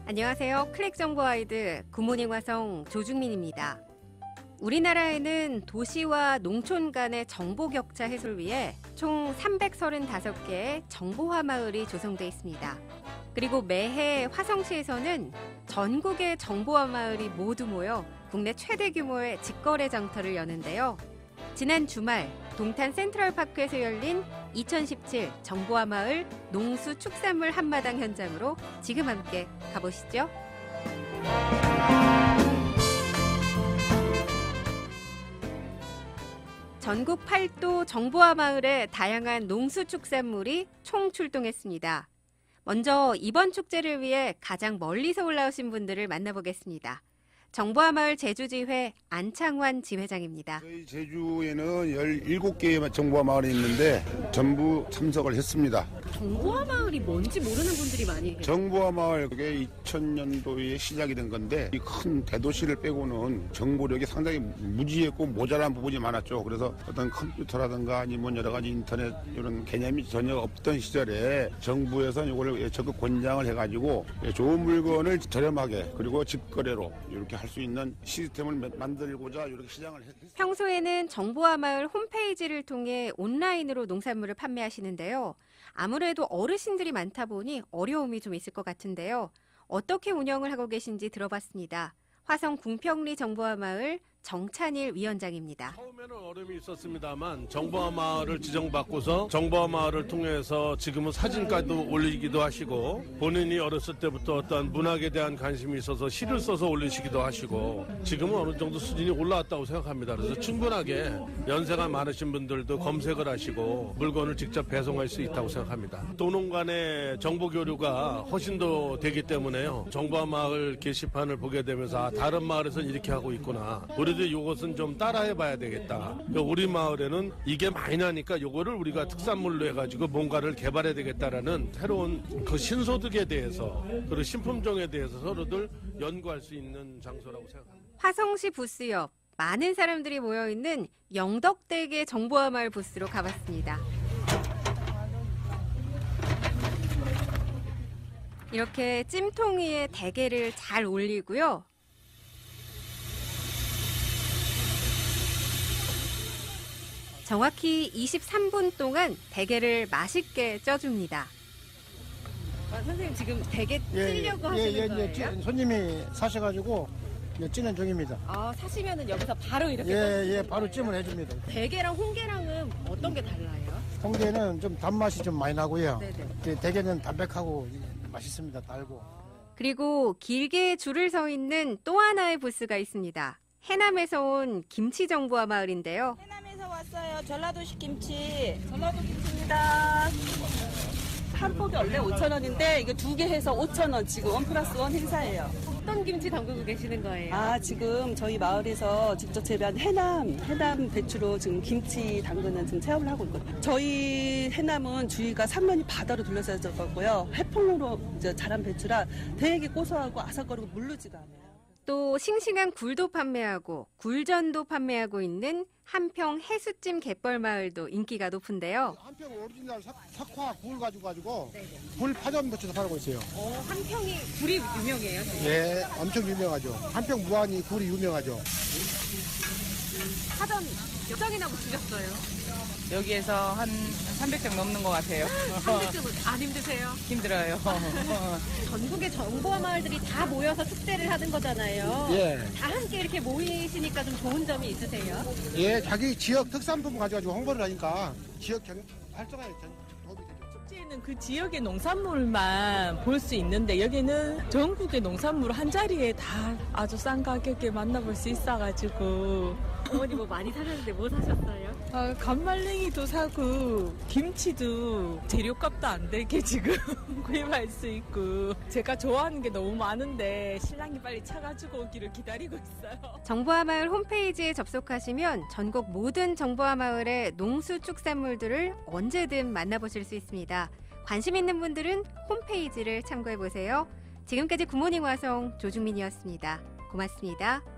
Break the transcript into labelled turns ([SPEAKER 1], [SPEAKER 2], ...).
[SPEAKER 1] 안녕하세요. 클릭정보와이드 굿모닝 화성 조중민입니다. 우리나라에는 도시와 농촌 간의 정보 격차 해소를 위해 총 335개의 정보화 마을이 조성돼 있습니다. 그리고 매해 화성시에서는 전국의 정보화 마을이 모두 모여 국내 최대 규모의 직거래 장터를 여는데요. 지난 주말 동탄 센트럴파크에서 열린 2017 정보화 마을 농수 축산물 한마당 현장으로 지금 함께 가보시죠. 전국 8도 정보화 마을에 다양한 농수 축산물이 총 출동했습니다. 먼저 이번 축제를 위해 가장 멀리서 올라오신 분들을 만나보겠습니다. 정보화 마을 제주지회 안창환 지회장입니다.
[SPEAKER 2] 저희 제주에는 17개의 정보화 마을이 있는데 전부 참석을 했습니다.
[SPEAKER 1] 정보화 마을이 뭔지 모르는 분들이 많이 계세요.
[SPEAKER 2] 정보화 마을 그게 2000년도에 시작이 된 건데 이 큰 대도시를 빼고는 정보력이 상당히 무지했고 모자란 부분이 많았죠. 그래서 어떤 컴퓨터라든가 아니면 여러 가지 인터넷 이런 개념이 전혀 없던 시절에 정부에서 이걸 적극 권장을 해가지고 좋은 물건을 저렴하게 그리고 직거래로 이렇게 할 수 있는 시스템을 만들고자 이렇게 시장을 했습니다.
[SPEAKER 1] 평소에는 정보화 마을 홈페이지를 통해 온라인으로 농산물을 판매하시는데요. 아무래도 어르신들이 많다 보니 어려움이 좀 있을 것 같은데요. 어떻게 운영을 하고 계신지 들어봤습니다. 화성 궁평리 정보화 마을 정찬일 위원장입니다.
[SPEAKER 3] 처음에는 어려움이 있었습니다만 정보화 마을을 지정받고서 정보화 마을을 통해서 지금은 사진까지도 올리기도 하시고 본인이 어렸을 때부터 어떤 문학에 대한 관심이 있어서 시를 써서 올리시기도 하시고 지금은 어느 정도 수준이 올라왔다고 생각합니다. 그래서 충분하게 연세가 많으신 분들도 검색을 하시고 물건을 직접 배송할 수 있다고 생각합니다. 도농 간의 정보 교류가 훨씬 더 되기 때문에요. 정보화 마을 게시판을 보게 되면서 다른 마을에서는 이렇게 하고 있구나. 우리도 이것은 좀 따라해봐야 되겠다. 우리 마을에는 이게 많이 나니까 이거를 우리가 특산물로 해가지고 뭔가를 개발해야 되겠다라는 새로운 그 신소득에 대해서 그리고 신품종에 대해서 서로들 연구할 수 있는 장소라고 생각합니다.
[SPEAKER 1] 화성시 부스 옆 많은 사람들이 모여있는 영덕대게 정보화 마을 부스로 가봤습니다. 이렇게 찜통 위에 대게를 잘 올리고요. 정확히 23분 동안 대게를 맛있게 쪄줍니다. 선생님 지금 대게 찌려고 하시는 거예요?
[SPEAKER 4] 손님이 사셔가지고 찌는 중입니다.
[SPEAKER 1] 사시면은 여기서 바로 이렇게
[SPEAKER 4] 바로 찜을 해줍니다.
[SPEAKER 1] 대게랑 홍게랑은 어떤 게 달라요?
[SPEAKER 4] 홍게는 좀 단맛이 좀 많이 나고요.
[SPEAKER 1] 네네.
[SPEAKER 4] 대게는 담백하고 맛있습니다. 달고.
[SPEAKER 1] 그리고 길게 줄을 서 있는 또 하나의 부스가 있습니다. 해남에서 온 김치 정보화 마을인데요.
[SPEAKER 5] 해남에서 왔어요. 전라도식 김치. 전라도 김치입니다. 한 폭이 원래 5,000원인데 이거 2개 해서 5,000원 지금 1+1 행사예요.
[SPEAKER 1] 어떤 김치 담그고 계시는 거예요?
[SPEAKER 5] 지금 저희 마을에서 직접 재배한 해남 배추로 지금 김치 담그는 지금 체험을 하고 있거든요. 저희 해남은 주위가 삼면이 바다로 둘러싸여 있고요. 해풍으로 이제 자란 배추라 되게 고소하고 아삭거리고 물르지가 않아요.
[SPEAKER 1] 또 싱싱한 굴도 판매하고 굴전도 판매하고 있는 한평 해수찜 갯벌 마을도 인기가 높은데요.
[SPEAKER 4] 한평 오리지널 석화 굴 가지고 굴 파전 배추도 팔고 있어요.
[SPEAKER 1] 한평이 굴이 유명해요?
[SPEAKER 4] 예, 엄청 유명하죠. 한평 무안이 굴이 유명하죠.
[SPEAKER 1] 파전 몇 장이나 드셨어요?
[SPEAKER 6] 여기에서 한 300장 넘는 것 같아요.
[SPEAKER 1] 300점은 안 힘드세요?
[SPEAKER 6] 힘들어요.
[SPEAKER 1] 전국의 정보화 마을들이 다 모여서 축제를 하는 거잖아요.
[SPEAKER 4] 예.
[SPEAKER 1] 다 함께 이렇게 모이시니까 좀 좋은 점이 있으세요?
[SPEAKER 4] 예, 자기 지역 특산품 가지고 홍보를 하니까 지역 활성화에 도움이 되죠.
[SPEAKER 6] 축제에는 그 지역의 농산물만 볼 수 있는데 여기는 전국의 농산물 한 자리에 다 아주 싼 가격에 만나볼 수 있어가지고
[SPEAKER 1] 어머니 뭐 많이 사셨는데 뭐 사셨어요?
[SPEAKER 6] 간말랭이도 사고 김치도 재료값도 안 되게 지금 구입할 수 있고 제가 좋아하는 게 너무 많은데 신랑이 빨리 차가지고 오기를 기다리고 있어요.
[SPEAKER 1] 정보화 마을 홈페이지에 접속하시면 전국 모든 정보화 마을의 농수축산물들을 언제든 만나보실 수 있습니다. 관심 있는 분들은 홈페이지를 참고해보세요. 지금까지 굿모닝 화성 조중민이었습니다. 고맙습니다.